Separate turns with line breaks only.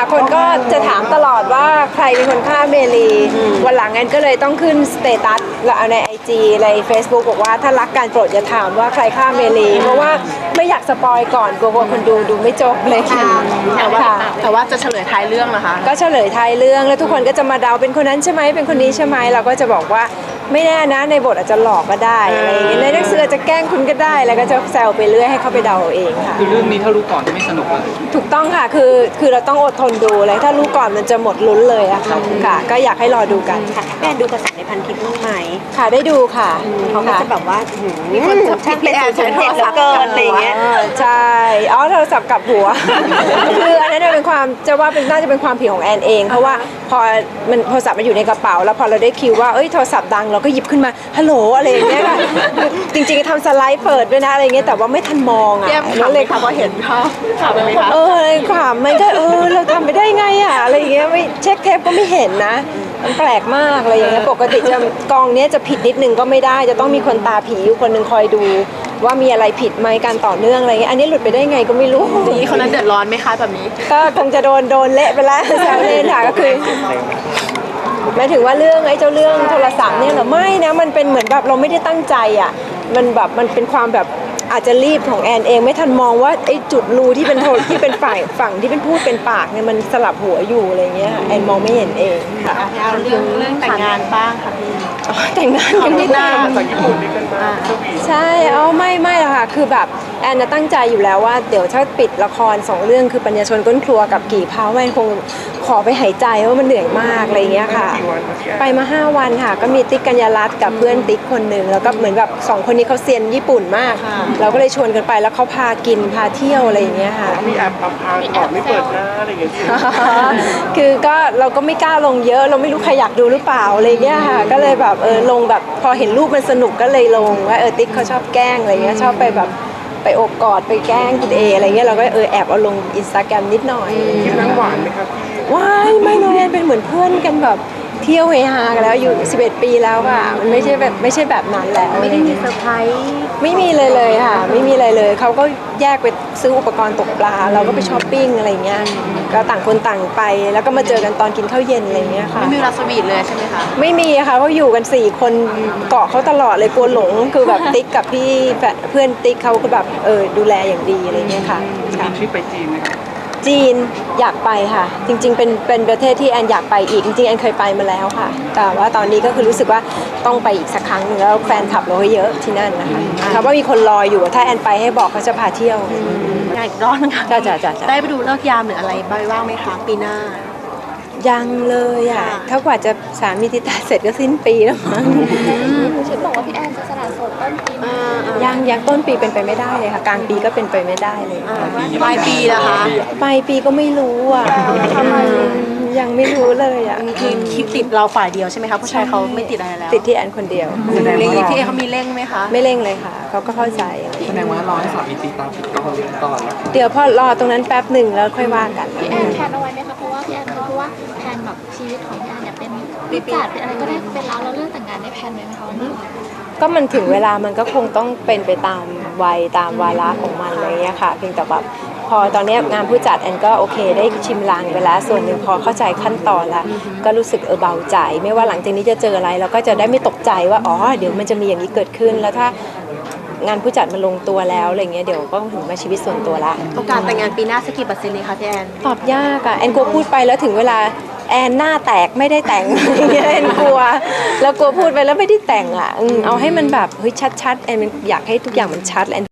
ค่ะคนก็จะถามตลอดว่าใครเป็นคนฆ่าเมลีวันหลังแอนก็เลยต้องขึ้นสเตตัสแล้วเอาใน IG ใน Facebook บอกว่าถ้ารักการโปรดอย่าถามว่าใครฆ่าเมลีเพราะว่าไม่อยากสปอยก่อนกลัวคนดูไม่จบเลยค่ะ
แต่ว่าจะเฉลยท้ายเรื่องนะคะ
ก็เฉลยท้ายเรื่องแล้วทุกคนก็จะมาเดาเป็นคนนั้นใช่ไหมเป็นคนนี้ใช่ไหมเราก็จะบอกว่าไม่แน่นะในบทอาจจะหลอกก็ได้อะไรอย่างเงี้ยในหนังสืออาจจะแกล้งคุณก็ได้แล้วก็จะแซวไปเรื่อยให้เขาไปเดาเองค่ะ
คือเรื่องนี้ถ้ารู้ก่อนจะไม่สนุกเลย
ถูกต้องค่ะคือเราต้องอดทนดูเลยถ้ารู้ก่อนมันจะหมดลุ้นเลยอะค่ะก็อยากให้รอดูกันค่ะ
แม่ดูกระแสในพันทิปบ้างไหม
ค่ะได้ดูค่ะ
เขาก็จะแบบว่ามีคนจับผิดเป็น007แล้วเกินอะไรอย่างเงี้ย
ใช่โทรศัพท์กลับหัว คืออันนั้นเป็นความจะว่าเป็นน่าจะเป็นความผิดของแอนเองเพราะว่าพอมันโทรศัพท์มันอยู่ในกระเป๋าแล้วพอเราได้คิวว่าโทรศัพท์ดังเราก็หยิบขึ้นมาฮัลโหลอะไรอย่างเงี้ยค่ะจริงๆทำสไลด์เปิดด้วยนะอะไรเงี้ยแต่ว่าไม่ทันมองอ่ะ
แล้วเลยค่ะพอเห็นภาพข่าวไปไหมคะ
เลยขำมันก็เราทำไปได้ไงอ่ะอะไรอย่างเงี้ยไม่เช็คเทปก็ไม่เห็นนะมันแปลกมากอะไรอย่างเงี้ยปกติจะกองเนี้ยจะผิดนิดนึงก็ไม่ได้จะต้องมีคนตาผีอยู่คนหนึ่งคอยดูว่ามีอะไรผิดไหมการต่อเนื่องอะไรเงี้ยอันนี้หลุดไปได้ไงก็ไม่รู้
นี่คนนั้นเดือดร้อนไหมคะแบบนี้
ก็คงจะโดนเละไปแล้วแซวเล่นค่ะก็คือหมายถึงว่าเรื่องเจ้าเรื่องโทรศัพท์เนี่ยเหรอไม่นะมันเป็นเหมือนแบบเราไม่ได้ตั้งใจอ่ะมันแบบมันเป็นความแบบอาจจะรีบของแอนเองไม่ทันมองว่าจุดรูที่เป็นที่เป็นฝั่งที่เป็นพูดเป็นปากเนี่ยมันสลับหัวอยู่อะไรเงี้ยแอนมองไม่เห็นเองค่ะ
เรื่องแต่งงานบ้างค่ะพี่
แต่งงานยังไม่ได้
จากญี่ปุ่นนี่กันมา
ใช่ไม่หรอกค่ะคือแบบแอนตั้งใจอยู่แล้วว่าเดี๋ยวถ้าปิดละคร2เรื่องคือปัญญาชนก้นครัวกับกี่เผาแอนคงขอไปหายใจว่ามันเหนื่อยมากอะไรเงี้ยค่ะไปมา5 วันค่ะก็มีติ๊กกัญญารัตน์กับเพื่อนติ๊กคนหนึ่งแล้วก็เหมือนแบบ2คนนี้เขาเซียนญี่ปุ่นมากเราก็เลยชวนกันไปแล้วเขาพากินพาเที่ยวอะไรอย่างเงี้ยค่ะ
มีแอบพาก่อนไม่เปิดหน้าอะไรอย่างเงี้ย
คือก็เราก็ไม่กล้าลงเยอะเราไม่รู้ใครอยากดูหรือเปล่าอะไรเงี้ยค่ะก็เลยแบบลงแบบพอเห็นรูปมันสนุกก็เลยลงว่าติ๊กเขาชอบแกล้งอะไรเงี้ยชอบไปแบบไปโอบกอดไปแกล้งคุณเออะไรเงี้ยเราก็แอบเอาลงอินสตาแกรมนิดหน่อย
คลิปนั้นหวานไหมครับ
ว้ายไม่เลยเป็นเหมือนเพื่อนกันแบบเที่ยวเฮฮากันแล้วอยู่11 ปีแล้วค่ะมันไม่ใช่แบบนั้นแล้ว
ไม่ได้มีเซอร์ไพรส์
ไม่มีเลยค่ะไม่มีอะไรเลยเขาก็แยกไปซื้ออุปกรณ์ตกปลาเราก็ไปช้อปปิ้งอะไรเงี้ยก็ต่างคนต่างไปแล้วก็มาเจอกันตอนกินข้าวเย็นอะไรเงี้ยค่ะ
ไม่มีเวลาสวีทเลยใช่ไหมคะ
ไม่มีค่ะเขาอยู่กัน4 คนเกาะเขาตลอดเลยกลัวหลงคือแบบติ๊กกับพี่เพื่อนติ๊กเขาก็แบบดูแลอย่างดีอะไรเงี้ยค่ะ
มีทริปไปจีนไหมครับ
จีนอยากไปค่ะจริงๆเป็นประเทศที่แอนอยากไปอีกจริงๆแอนเคยไปมาแล้วค่ะแต่ว่าตอนนี้ก็คือรู้สึกว่าต้องไปอีกสักครั้งนึงแล้วแฟนคลับเราเยอะที่นั่นนะคะเขาว่ามีคนรออยู่ถ้าแอนไปให้บอกเขาจะพาเที่ยว
อยากรอดนะคะได้ไปดูเลิกยามหรืออะไรบ้างไหมคะปีหน้า
ยังเลยอ่ะถ้ากว่าจะสามีติดตาเสร็จก็สิ้นปีแล้วมั้ง
ฉันบอกว่าพี่แอนจะสละโสดต้นปี
ยังต้นปีเป็นไปไม่ได้เลยค่ะกลางปีก็เป็นไปไม่ได้เลย
ปลายปีนะคะ
ปลายปีก็ไม่รู้อ่ะทำไมยังไม่รู้เลยอ่ะ
คือคลิปติดเราฝ่ายเดียวใช่ไหมคะผู้ชายเขาไม่ติดอะไรแล้ว
ติดที่แอนคนเดียว
เร่งพี่เขามีเร่งไหมคะ
ไม่เร่งเลยค่ะเขาก็เข้าใจ
แสดงว่ารอให้สามีตีตาผิดก่อน
เดี๋ยวพอรอตรงนั้นแป๊บหนึ่งแล้วค่อยว่ากัน
พี่แอนแพนเอาไว้ไหมคะเพราะว่าพี่แอนเขาพูดว่าแพนแบบชีวิตของพี่แอนเนี่ยเป็นวิจารณ์เป็นอะไรก็ได้เป็นแล้วเรื่องแต่งงานได้แพนไหมคะวันนี้
ก็มันถึงเวลามันก็คงต้องเป็นไปตามวัยตามวาระของมันอะไรเงี้ยค่ะเพียงแต่แบบพอตอนนี้งานผู้จัดแอนก็โอเคได้ชิมลางไปแล้วส่วนหนึ่งพอเข้าใจขั้นตอนแล้วก็รู้สึกเบาใจไม่ว่าหลังจากนี้จะเจออะไรเราก็จะได้ไม่ตกใจว่าอ๋อเดี๋ยวมันจะมีอย่างนี้เกิดขึ้นแล้วถ้างานผู้จัดมันลงตัวแล้วอะไรเงี้ยเดี๋ยวก็ถึงมาชีวิตส่วนตัวละ
โอกาสแต่งงานปีหน้าสักกี่%เลยคะพี่แอน
ตอบยากอะแอนกลัวพูดไปแล้วถึงเวลาแอนหน้าแตกไม่ได้แต่งอย่างเงี้ยแอนกลัวแล้วกลัวพูดไปแล้วไม่ได้แต่งอะเอาให้มันแบบเฮ้ยชัดๆแอนอยากให้ทุกอย่างมันชัดแอน